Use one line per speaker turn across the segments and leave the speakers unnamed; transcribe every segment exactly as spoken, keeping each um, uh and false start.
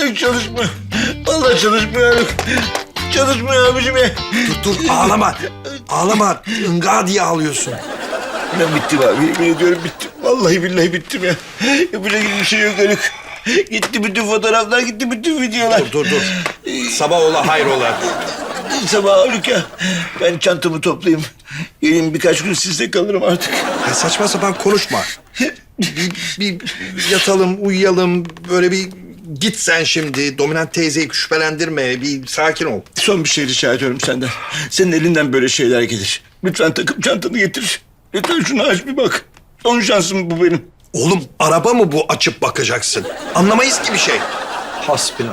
Artık çalışmıyor. Vallahi çalışmıyor Haluk. Çalışmıyor abicim ya.
Dur dur ağlama. Ağlama. Inga diye ağlıyorsun.
Ben bittim abi. Yemin ediyorum bittim. Vallahi billahi bittim ya. Yapacak bir şey yok Haluk. Gitti bütün fotoğraflar, gitti bütün videolar.
Dur dur dur. Sabah ola hayrola.
Sabah Haluk ya. Ben çantamı toplayayım. Gelin birkaç gün sizde kalırım artık.
Ya saçma sapan konuşma. Bir, bir yatalım, uyuyalım. Böyle bir git sen şimdi. Dominant teyzeyi şüphelendirme. Bir sakin ol.
Son bir şey rica ediyorum senden. Senin elinden böyle şeyler gelir. Lütfen takım çantanı getir. Lütfen şunu aç bir bak. Son şansım bu benim.
Oğlum araba mı bu açıp bakacaksın? Anlamayız ki bir şey. Hasbinallah.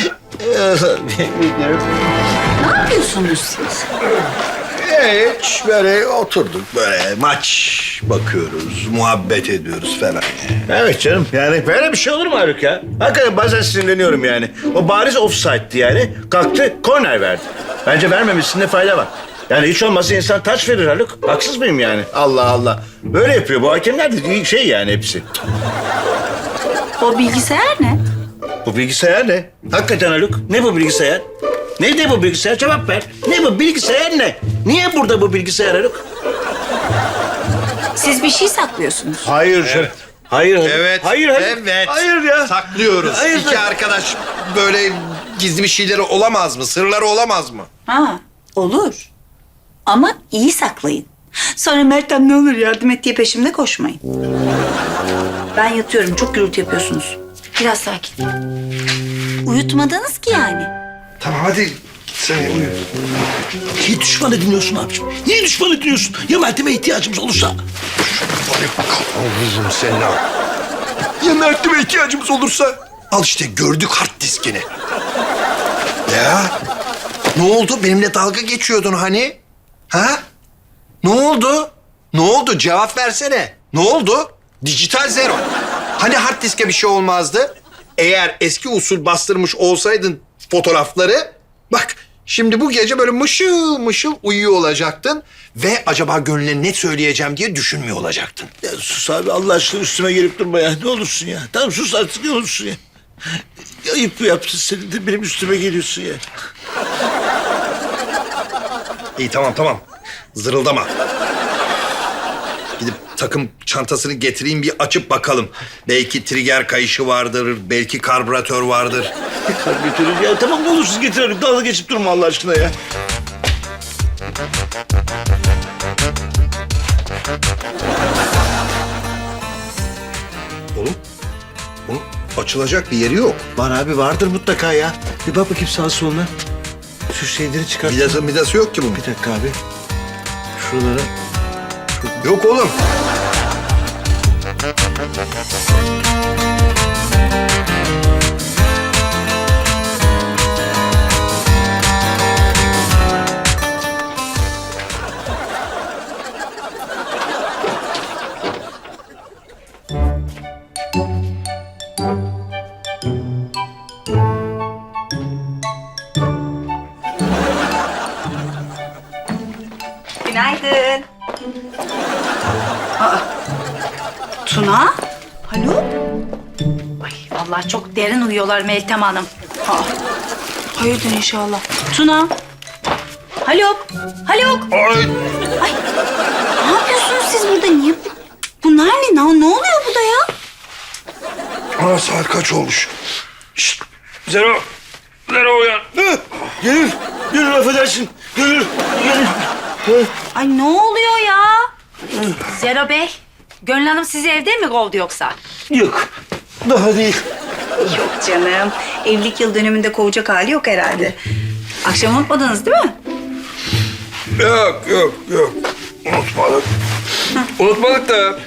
Ne yapıyorsunuz siz?
Hiç böyle oturduk böyle maç bakıyoruz, muhabbet ediyoruz falan.
Evet canım yani böyle bir şey olur mu Haluk ya? Hakikaten bazen sinirleniyorum yani. O bariz offside'di yani. Kalktı korner verdi. Bence vermemesinde fayda var. Yani hiç olmazsa insan taç verir Haluk. Haksız mıyım yani? Allah Allah. Böyle yapıyor bu hakemler de şey yani hepsi.
O bilgisayar ne?
Bu bilgisayar ne? Hakikaten Haluk. Ne bu bilgisayar? Ne de bu bilgisayar? Cevap ver. Ne bu bilgisayar ne? Niye burada bu bilgisayar Haluk?
Siz bir şey saklıyorsunuz.
Hayır canım. Hayır. Haluk.
Evet,
Hayır Haluk.
evet.
Hayır ya.
Saklıyoruz.
Hayır,
İki
sak-
arkadaş böyle gizli bir şeyleri olamaz mı? Sırları olamaz mı?
Ha, olur. Ama iyi saklayın. Sonra Meltem ne olur yardım et diye peşimde koşmayın. Ben yatıyorum. Çok gürültü yapıyorsunuz. Biraz sakin. Uyutmadınız ki yani.
Tamam hadi sen uyu.
Niye düşmanı dinliyorsun abiciğim? Niye düşmanı dinliyorsun? Ya Meltem'e ihtiyacımız olursa?
Allah'ım senin al. Ya Mert'ime ihtiyacımız olursa? Al işte gördük hard diskini. Ya ne oldu? Benimle dalga geçiyordun hani? Ha? Ne oldu? Ne oldu? Cevap versene. Ne oldu? Dijital zero. Hani hard diske bir şey olmazdı? Eğer eski usul bastırmış olsaydın fotoğrafları... Bak şimdi bu gece böyle mışıl mışıl uyuyor olacaktın... Ve acaba gönlüne ne söyleyeceğim diye düşünmüyor olacaktın.
Ya sus abi Allah aşkına üstüme gelip durma ya. Ne olursun ya. Tamam sus artık ne olursun ya. Ya ayıp mı yaptın senin de benim üstüme geliyorsun ya.
İyi tamam tamam. Zırıldama. Gidip takım çantasını getireyim bir açıp bakalım. Belki trigger kayışı vardır, belki karbüratör vardır.
Götürün ya tamam ne olursun getir Haluk. Dalga geçip durma Allah aşkına ya.
Oğlum, bunun açılacak bir yeri yok.
Var abi vardır mutlaka ya. Bir bak bakayım sağa soluna. Şu şeyleri çıkart.
Midası, midası yok ki bunun.
Bir dakika abi. Şuralara.
Yok oğlum.
Günaydın. Aa, Tuna? Haluk? Ay vallahi çok derin uyuyorlar Meltem Hanım. Aa, hayırdır inşallah. Tuna? Haluk? Haluk?
Ay.
Ay, ne yapıyorsunuz siz burada? Niye? Bunlar ne? Ne, ne oluyor burada ya?
Aa, saat kaç olmuş?
Şşt! Zero! Zero uyan! Hı! Gönül! Gönül affedersin! Gönül! Gönül! Hı!
Ay ne oluyor ya? Zero Bey, Gönül Hanım sizi evde mi kovdu yoksa?
Yok. Daha değil.
Yok canım. Evlilik yıl dönümünde kovacak hali yok herhalde. Akşam unutmadınız değil mi?
Yok, yok, yok. Unutmadık. Unutmadık da...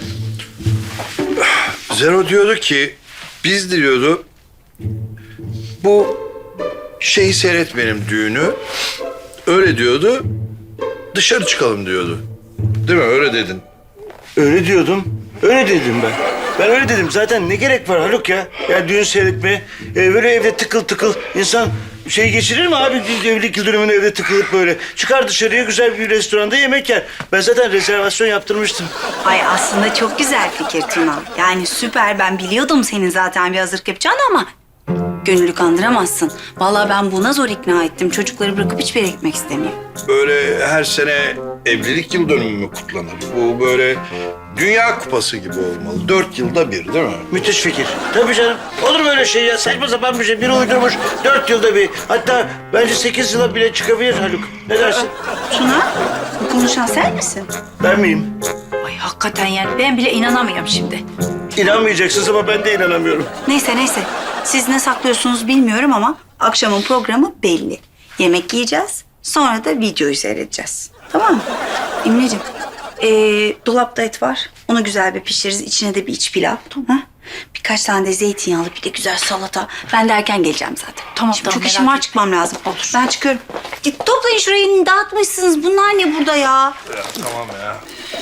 Zero diyordu ki, biz diyordu... Bu şeyi seyretmeyelim düğünü. Öyle diyordu. Dışarı çıkalım diyordu. Değil mi? Öyle dedin.
Öyle diyordum. Öyle dedim ben. Ben öyle dedim. Zaten ne gerek var Haluk ya? Ya düğün seyretmeye. E, böyle evde tıkıl tıkıl insan şey geçirir mi abi? Evlilik yıl dönümünü evde tıkılıp böyle. Çıkar dışarıya güzel bir restoranda yemek yer. Ben zaten rezervasyon yaptırmıştım.
Ay aslında çok güzel fikir Tuna. Yani süper. Ben biliyordum senin zaten bir hazırlık yapacağını ama... Gönüllü kandıramazsın. Vallahi ben buna zor ikna ettim. Çocukları bırakıp hiçbir yere gitmek istemiyor.
Böyle her sene evlilik yıl dönümü mü kutlanır? Bu böyle Dünya Kupası gibi olmalı. Dört yılda bir değil mi?
Müthiş fikir. Tabii canım. Olur mu öyle şey ya? Saçma sapan bir şey. Biri uydurmuş. Dört yılda bir. Hatta bence sekiz yıla bile çıkabilir Haluk. Ne dersin?
Tuna, bu konuşan sen misin?
Ben miyim?
Ay hakikaten yani ben bile inanamıyorum şimdi.
İnanmayacaksınız ama ben de inanamıyorum.
Neyse neyse. Siz ne saklıyorsunuz bilmiyorum ama akşamın programı belli. Yemek yiyeceğiz. Sonra da videoyu seyredeceğiz. Tamam mı? İmleciğim, ee, dolapta et var. Onu güzel bir pişiririz. İçine de bir iç pilav. Ha? Birkaç tane de zeytinyağlı bir de güzel salata. Ben de erken geleceğim zaten.
Tamam,
Şimdi
tamam,
çok işim
merak
var, çıkmam lazım. Olur. Ben çıkıyorum. Git toplayın şurayı, dağıtmışsınız. Bunlar ne burada ya?
Ya, tamam ya.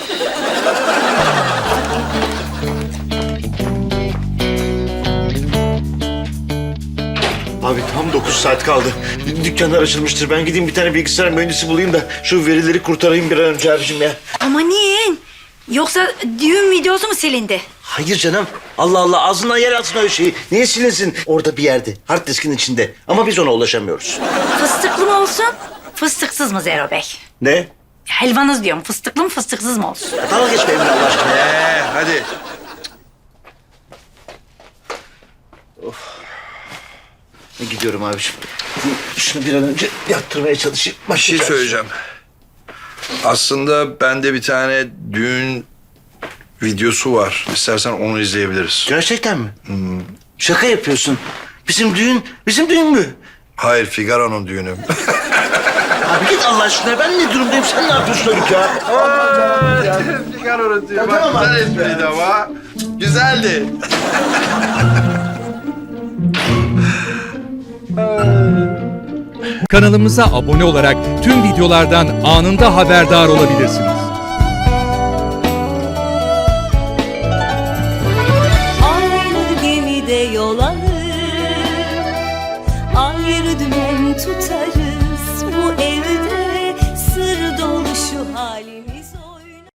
Abi tam dokuz saat kaldı. Dükkanlar açılmıştır. Ben gideyim bir tane bilgisayar mühendisi bulayım da şu verileri kurtarayım bir an önce abicim ya.
Amanin. Yoksa düğün videosu mu silindi?
Hayır canım. Allah Allah ağzından yer alsın öyle şeyi. Niye silinsin? Orada bir yerde. Hard diskin içinde. Ama biz ona ulaşamıyoruz.
Fıstıklı mı olsun? Fıstıksız mı Zero Bey?
Ne?
Helvanız diyorum. Fıstıklı mı fıstıksız mı olsun?
Dalga geçme benimle Allah aşkına ya.
Ee, hadi.
Gidiyorum abiciğim. Şunu bir an önce yattırmaya çalışayım.
Bir şey
Başlayacağız.
söyleyeceğim. Aslında bende bir tane düğün videosu var. İstersen onu izleyebiliriz.
Gerçekten mi? Şaka yapıyorsun. Bizim düğün, bizim düğün mü?
Hayır, Figaro'nun düğünü.
Abi git Allah aşkına. Ben ne durumdayım? Sen ne yapıyorsun Haluk ya?
Figaro'nun düğünü.
Tamam
Bak,
abi.
güzel espriydi ama. Güzeldi.
Kanalımıza abone olarak tüm videolardan anında haberdar olabilirsiniz.
Aynı gemide yol alır, ayrı dümen tutarız. Bu evde sır dolu şu halimiz.